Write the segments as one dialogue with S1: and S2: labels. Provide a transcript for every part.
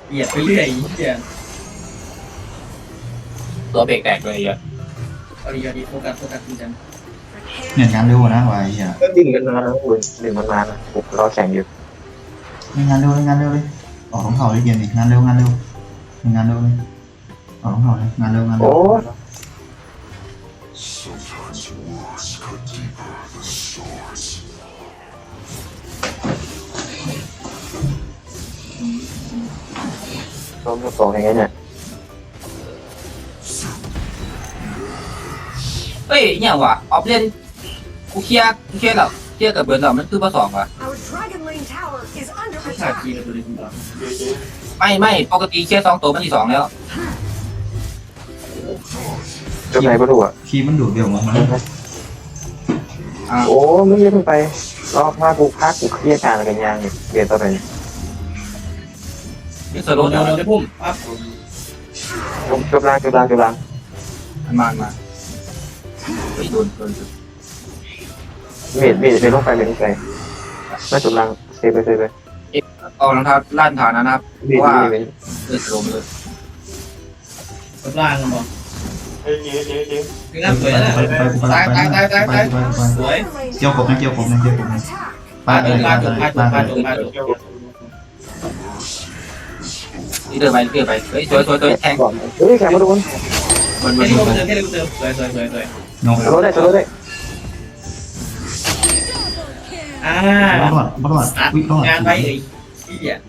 S1: เหยียบไปเรื่อยเหี้ย
S2: ตัวเบรกแตกเลยอ่ะ
S1: เอาดีโฟกัสจริงจัง
S3: เนี่ยงานเร็วนะวายอ่ะ
S4: ก็ดึงกันมาแล้วคุณดึงมันมานะผมรอแข่งอยู่
S3: งานเร็วเลยออกของเขาเลยเกมนี้งานเร็วเลยออกของเขาเลยงานเร็ว
S4: โอ้ล้มสองอย่างเงี้ยเนี่ย
S2: เฮ้ยเนี่ยวะออฟเล่นกูเคลียร์แบบเคลียร์กับเบิร์นแบบมันคือมาสองวะ
S5: Our Dragon Lane Tower is under
S1: ฉาก
S5: attack.
S1: ทีกับตัวเล็กคุณต่อ
S2: ไม่ปกติเคลียร์2 ตัวมันที่2แล้ว
S4: จบไหนก็ถูกอ่ะ
S3: คีมันดูดเดี่ยวมัน
S4: โอ้ไม่เยอะไปรอบพักกูเครียดการอะไรกันยังเรียนต่อไป
S2: นี่ส
S1: โด
S2: โล
S1: น
S2: ว์
S1: ได้พุ่มปั๊บ
S4: จบล่าง
S2: มันมาเฮ้ยโดน
S4: เมดลงไปไม่จบล่างเซฟไป
S2: เอารองเท้าลั่นฐานนะครับ
S4: เมด
S2: สโลว์เลย
S1: กับล่างกันบอก
S6: เฮ้ยเจ๊
S1: คือน้ำสวยนะ
S3: ไป
S1: สวย
S3: เกี่ยวกบนะ
S1: ปาดปาด
S2: นี่เดินไปเฮ้ยสวยแทง
S4: เฮ้ยแข่งมาดูมัน
S1: แค่นี้ก็เติมสวย
S3: งง
S4: โรได้
S3: รอดวิ่งรอด
S1: งานไปเลยที่อ่ะ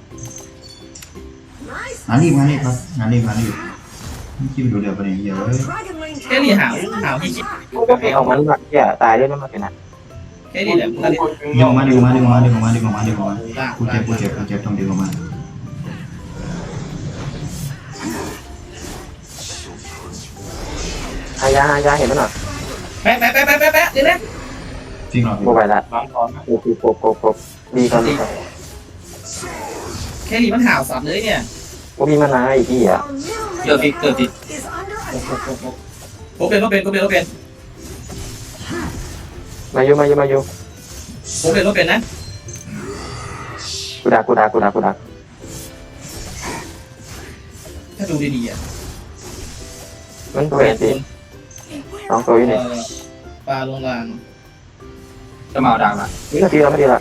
S3: งานรีบครับงานรีบคีมันดูเดี่ยวไปเนี่ยเยอะ
S5: Our Dragon Lane
S1: แค่นี้
S5: Tower
S1: หาว
S5: is
S1: หาว
S5: under
S1: ที่คิด
S5: attack.
S4: ก็ไปเอามันอย่าตายด้วยนะมันเป็นนะ
S1: แค่นี้แหละมึงก็เล่น
S3: ดึงมากูเจ็บต้องดึงออกมา
S4: อายาเห็นมันหรอ
S1: แปะเดี๋ยวนะ
S3: จริงหรอ
S4: โมบายละ
S6: ล้างท้องนะ
S4: โอ้โหดีกัน
S1: แค่นี้มันหาวสับเลยเนี่ย
S4: ว่ามีมานานอีกที่อ่ะ
S5: Our middle lane
S2: Tơ
S5: is under attack.
S1: โคเป็น
S4: มาอยู่
S1: โคเป็นนะ
S4: กูดัก
S1: ถ้าดูดีๆอ่ะ
S4: มันตัวเองสิน้องตัวอยู่นี่
S1: ปลาลงล่าง
S2: จะมาเอาดังละ
S4: นี่ก็ดีแล้วไม่ดีละ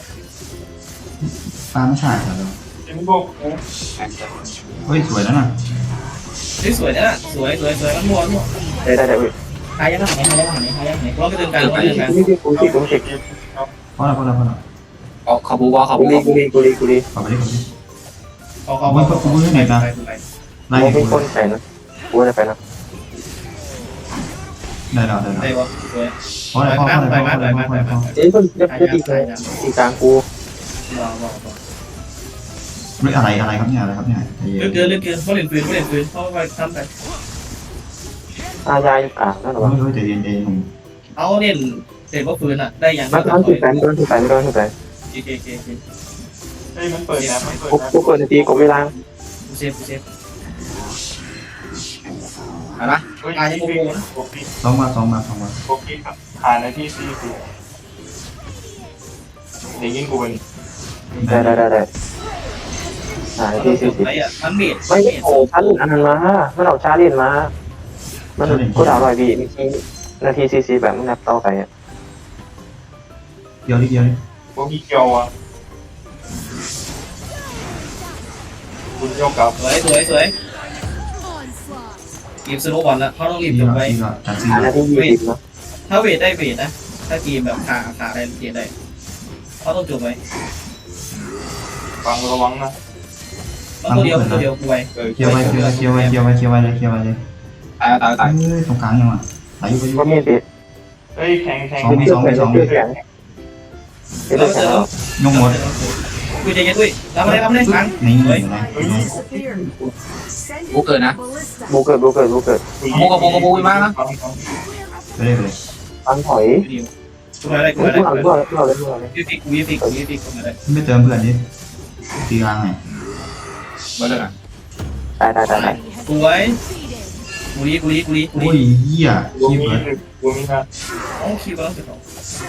S3: ปลาไม่ใช่เหรอ
S6: เจ๊พวก
S3: เฮ้ยสวยแล้วนะ
S1: สวยนะสวยมันมัว
S4: ได้
S1: หายังไหนร้องกระเดินการ
S4: นี่คือกูสิ
S3: พอแล้ว
S2: เอาเขาบูวอเขา
S4: กู
S2: บู
S4: ดี
S3: ขอไปดิ
S1: เขา
S3: ไล่
S4: โมเป็นคนใส่นะกูจะไปนะ
S3: ได้แล้ว
S1: ได้วะสวย
S3: พอแล้ว
S4: เจ๊ก็จะตีกลางกู
S3: เรื่องอะไรครับเนี่ย
S1: เลือกเกินเขาเล่นปืนเขาไปทำไป
S4: อายาอยู่กลางนั่นหรอวะ
S3: ไม่รู้ใจเย็นหนุ่ม
S1: เอาเล่นเสร็จว่าปืนอ่ะได้ยัง
S4: มันต้องที่แฟนไม่ต้องที่แฟน
S1: โอเค
S6: เฮ้ยมันเปิดนะมันเปิดนะ
S4: กูเปิดตีกูเวลา
S1: เซฟ
S2: อะไรนะ
S6: เฮ้ยพวกพี่
S3: สองมา
S6: พวกพี่ครับผ่านในที่ซีซีเดี๋ยวยิงกูเป็น
S4: ได้ที่สิ
S1: ไปอ่ะมันเบียด
S4: ไม่โอ้ชาลินอันนั้นมามันเอาชาลินมามันกูด่าลอยบีนาทีซีแบบมันนับต่อไปอ่ะ
S3: เดียว
S6: พวกพี่เกียวอ่ะคุณโยกกับ
S1: สวยรีบสโลบอลแล้วเขาต้องรีบจบไป
S3: จัดซี
S4: นาที20นะ
S1: ถ้าเวทได้เวทนะถ้าทีมแบบขาได้เกียร์ได้เขาต้องจบไป
S6: ฟังระวังนะ
S1: ตัวเดียวกูไป
S3: เคียวไว้เลย
S2: ตาย
S3: ตรงกลางยังอ่ะไหลอยู่ไปอยู่
S4: ก็มีติ
S6: เฮ้ยแข่ง
S4: แข็งเป็นแข็ง
S3: ยงหมด
S1: กูจะยัดด้วยรับมาเลยฟัง
S3: นี่
S5: disappeared. Send it
S2: Booker nè.
S5: ballista.
S4: บูเกิด
S2: บูมานะ
S3: ไปเลย
S4: ฟังถอย
S1: กูอะไร
S4: กูเลย
S1: ยูฟิกกูอะไร
S3: ไม่เติมเพื่อนดิตีกลางไง
S2: มาเลยนะ
S4: ตาย
S1: กูไว้กูรี
S3: โอ้ยเหี้ย
S6: กู
S3: ขี้
S6: มี
S3: เปิด
S6: กูมีนะ
S1: โอ้คิวบ้างสิครับ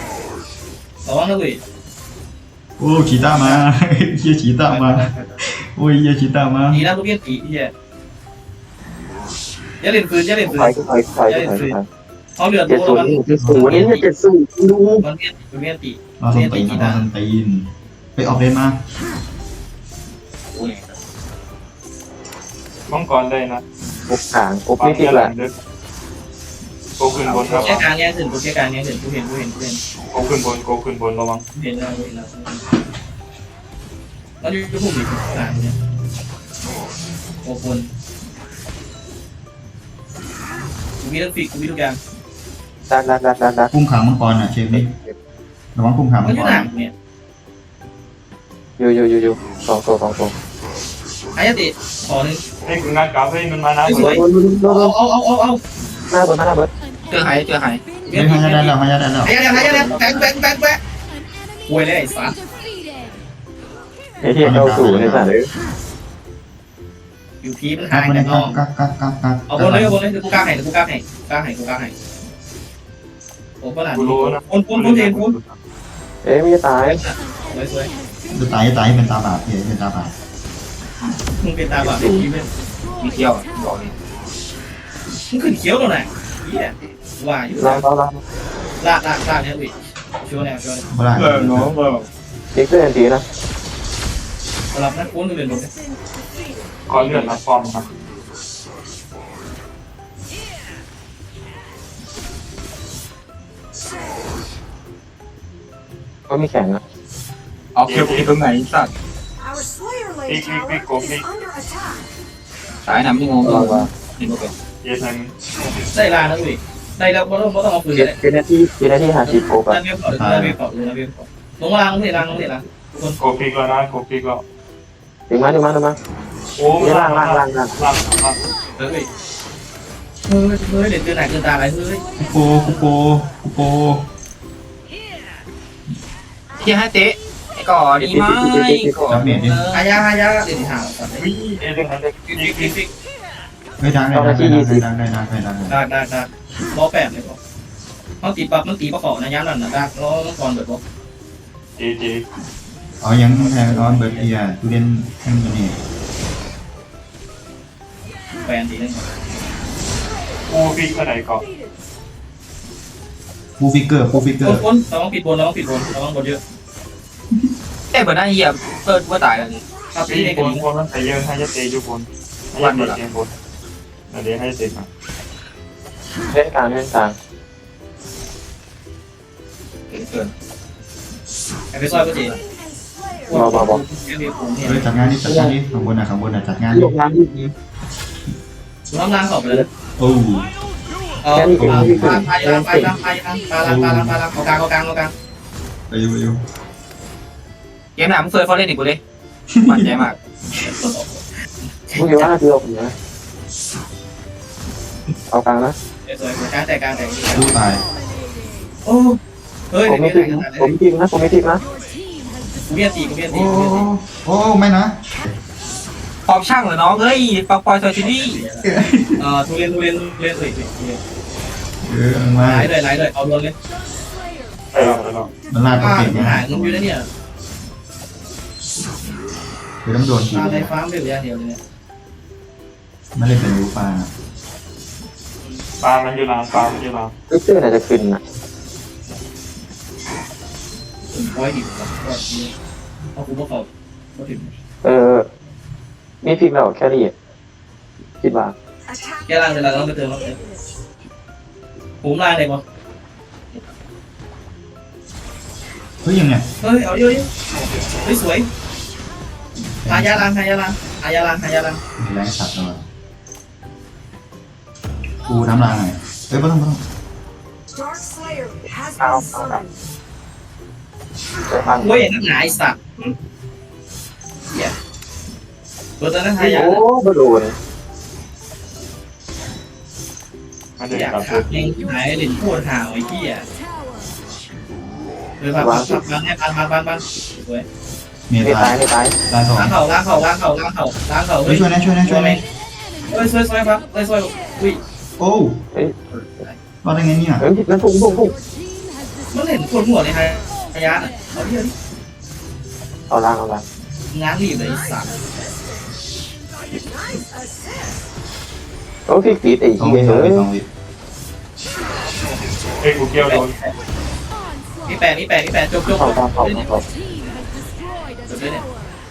S1: ระวังนะเว้ย
S3: โอ้ขีต้ามาเหี้ยขีต้ามาโอ้ยยาชิตามา
S1: ตีนะลูกเบี้ยตีเฮียอย่าเล่นปืนอย่าเล่นปืน
S4: ถอยถอย
S1: เขาเลือด
S4: เจ็ด
S1: ตัว
S4: ศูน
S1: มัน
S4: ย์70นี่เนี่ย70ดู
S1: มันเบี้ยตี
S3: เราส้นตีนเราส้นตีนไปออกเลนมา
S6: มังกรได้นะ
S4: อบขางอบไม่ติดแหละ
S6: โกขึ้นบนครับ
S1: แค่การแย่งถึงกูแค่การแย่งถึงกูเห็น
S6: โกขึ้นบนโกขึ้นบนระวัง
S1: เห็นแล้วแล้วอยู่พวกนี้ต่างเนี่ยโอ้คนกูมีทั้งฟิกกูมีทุกอย่าง
S4: ดัก
S3: พุ่งขางมังกรอ่ะเชฟนี่ระวังพุ่งขาง
S1: มั
S3: มัน ง
S1: อก ยู่
S3: ร
S1: หนังเนี่ย
S4: อยู่สองตัว
S1: อายติขอหนึ่ง
S6: ให้คุณงานกราฟให้มันมานะ
S1: สวยเอา
S4: หน้าเบิร์ด
S2: เจอหาย
S3: เฮ้ยให้ได้แล้วให้ได้แล้ว
S1: ไอ้ยังแบงป่วยเลยไอ้สัส
S4: ไอ้ที่เข้าสู่ในสัตว์เลย
S1: อยู่พีมัน
S3: กั
S1: หาก ย
S3: มา
S1: แน่
S3: เลย
S1: นอน
S3: กัก
S1: เอาบนเลยกูกล้าให้โอ้ก็หลาน
S6: กูรู้นะ
S1: คนเทนคน
S4: ไม่จะตาย
S1: สวย
S3: จะตายเป็นตาบาปเป็นตาบาป
S1: มึงเป็นตาบาปเป็นพีเป็น
S2: มีเที่ยวบอกเลย
S1: มึงขึ้นเขียวตรงไหนเฮียว่าอยู่
S4: เรา
S1: ลากเนี่ยวิชัวร์แนว
S3: บ่ได้
S4: เด็กเพื่อนทีนะ
S1: รับนะคนเรียนหมด
S6: ขอเลื่อนรับฟอร์มครับ
S4: ก็มีแข่งอ่ะ
S2: เอาเที่ยวตรงไหนสัตว์
S5: Our Slayer Lane Tower is under attack.
S2: สายน้ำที่งงตัวเห็นไหมเป็น
S6: เยสัน
S1: ได้ลานะวิได้แล้วไม่ต้องเอาปืนเลย
S4: เป็นหน้าที่หาชีพโอบอ่ะ
S1: นั่นเบี้ยเกาะลงล่างทุกคน
S6: โกพิกแล้วนะโกพิกแล้ว
S4: ถึงมา
S6: โอ้ล่าง
S1: เฮ้ยเด็ดเกินไหนเกินตาอะไรเฮ้ย
S3: โป
S2: เที่ยวให้เตะก่อนดีไหมก่อน
S1: หายาเดี๋ยวหาสัตว์
S6: วิเอเดน
S1: ฟิก
S3: เฮ้ยดังได้
S1: ล้อแปดเลยบอกเขาตีปับมันตีปะขอนะย้ำนั่นนะดักล้อก่อนเบิดบอก
S6: เจ
S3: อ๋อยังแทงร้อนเบิร์ดเอียตูเรียนแข่งกันนี่
S1: แฟนตีนึง
S6: โกพิกเท่าไหร่ก่อน
S3: ปูฟิกเกอร์
S1: คนเราต้องปิดบนเราต้องบนเยอะ
S2: แต่เบิร์ดน่าเหี้ยเปิดว่าตายแล้วนี่
S1: ครับ
S6: ตี
S1: นี่
S6: บนคนนั้นแต่เยอะให้จะเตะอยู่บนให้จะเตะบนเดี๋ยวให้เตะมา
S4: เล่นกลาง
S2: เกิน
S1: ไปซอยก็จี
S3: เฮ้ยจัดงานนี่ข้างบนจัดงาน
S4: ลงน้ำที่นี้
S1: น้ำล้างขอบไปเลย
S3: โอ้
S1: ไปเอากลาง
S3: ไปอยู่
S2: เกมหนามึงเฟยฟอร์เรนอีกกูเลยมั่นใจมาก
S4: มึงอยู่ว่าคือเอากลางนะ
S1: สวยการแต่
S3: ดูตาย
S1: โอ้เฮ้ย
S4: ผมไม่ทิมนะ
S1: กูเบี้ยตี
S3: โอ้ไม่นะ
S2: พร้อมช่างเหรอน้องเฮ้ยปอกปอยซอยซิตี้
S1: ทุเรียนเลย
S3: มา
S1: หลายเลยเอาโดนเลย
S6: ไปแล้ว
S3: มันลาดก็เก่ง
S1: หายเงินอยู่แล้วเนี่ย
S3: คือต้องโดนที
S1: ตาในฟาร์มเดียวเลยเนี่ย
S3: ไม่ได้เป็นรูปลา
S6: ปลามันอยู่หลังปลามันอยู่หลัง
S4: ลูกเสื้อน่าจะขึ้นอ่ะ
S1: ร้อยดิบครับเอาคุณพวกเขาก็ถึง
S4: มีพลิกแล้วแค่นี้คิดว่า
S1: แกล่างเวลาเราไปเติมเราผมล่างเลยมั้ง
S3: เฮ้ยยังไง
S1: เฮ้ยเอาเยอะเฮ้ยสวยหายาลัง
S3: แรงสัตว์เลยกูน้ำลายหน่อยเฮ้ยไม่ต้อง
S5: Dark Slayer has been summoned.
S4: ใช้พัง
S1: เว้ยนักหนาไอสัตว์เหี้ยตัวนั้นหายา
S4: โอ้บโดน
S6: มันเด็ก
S1: อยาก
S6: กับ
S1: ขับเองหายเล่นโคตรห่าวไอ้เหี้ยเฮ้ยพันให้พันสวย
S3: เมีย
S4: ไม่
S3: ตาย
S4: ตาย
S3: ตายสอง
S1: ล้างเข่า
S3: เฮ้ยช่วยนะ
S1: ช่วยครับช่วยอุ้ย
S3: โอ้รอดได้ไงเนี่ย
S4: นั่นพุ่ง
S1: มันเห็นคนหัวในหายาเอาเยอะ
S4: เอาล่าง
S1: งานรีบเลยสัตว์
S4: โอ้พี่ตีไอ้
S3: สอง
S4: เหี้
S3: วิ
S4: ย
S3: สอง
S4: เอ้
S3: วิ
S4: ย
S3: สองวิ
S6: เฮ้ยกูเกี่ยวโดน
S1: นี่แปดจบ
S4: เข้าเข้าเข้าเข้า
S1: จบเลยเนี่ย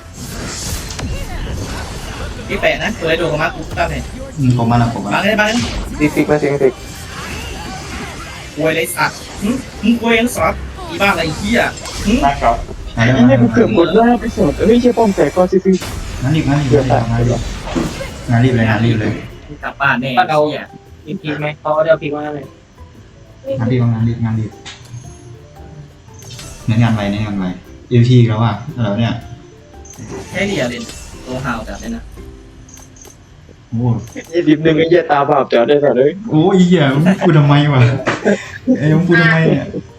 S1: นี่แปดนะตัวไอ้โดนของมากูตั้งเนี่ย
S3: ผมมาแล้วผมมา
S1: มาเลย
S4: ซิกมาซิก
S1: ควยเลยสัตว์มึงควยยังสัตว์อีบ้าอะไรเหี้ย
S6: หน้าเก่า
S3: ไหนแล้ว
S4: นี่กูเกือบหมดแล้วไปสดเฮ้ยเชี่ยป้อมแตกก็ซิก
S3: งานรีบงานรีบเลยงานรีบเลย
S1: กลับบ้านแน่เหี้ย
S2: อีกทีไหมเขาเดี๋ยวพีมาเลย
S3: งานรีบงานรีบงานรีบเน้นงานไวเน้นงานไวเอฟทีแล้วว่ะอะไรเนี่ย
S1: แค่เดียวเด่นตัวฮาวจับเลยนะ
S3: โอ้
S4: 20นึงไอ้เหี้ยตาบาปจอดได้สัตว์เอ้ย
S3: โอ้ยเหี้ยมึงพูดทำไมวะไอ้มึงพูดทำไมเนี่ย
S5: An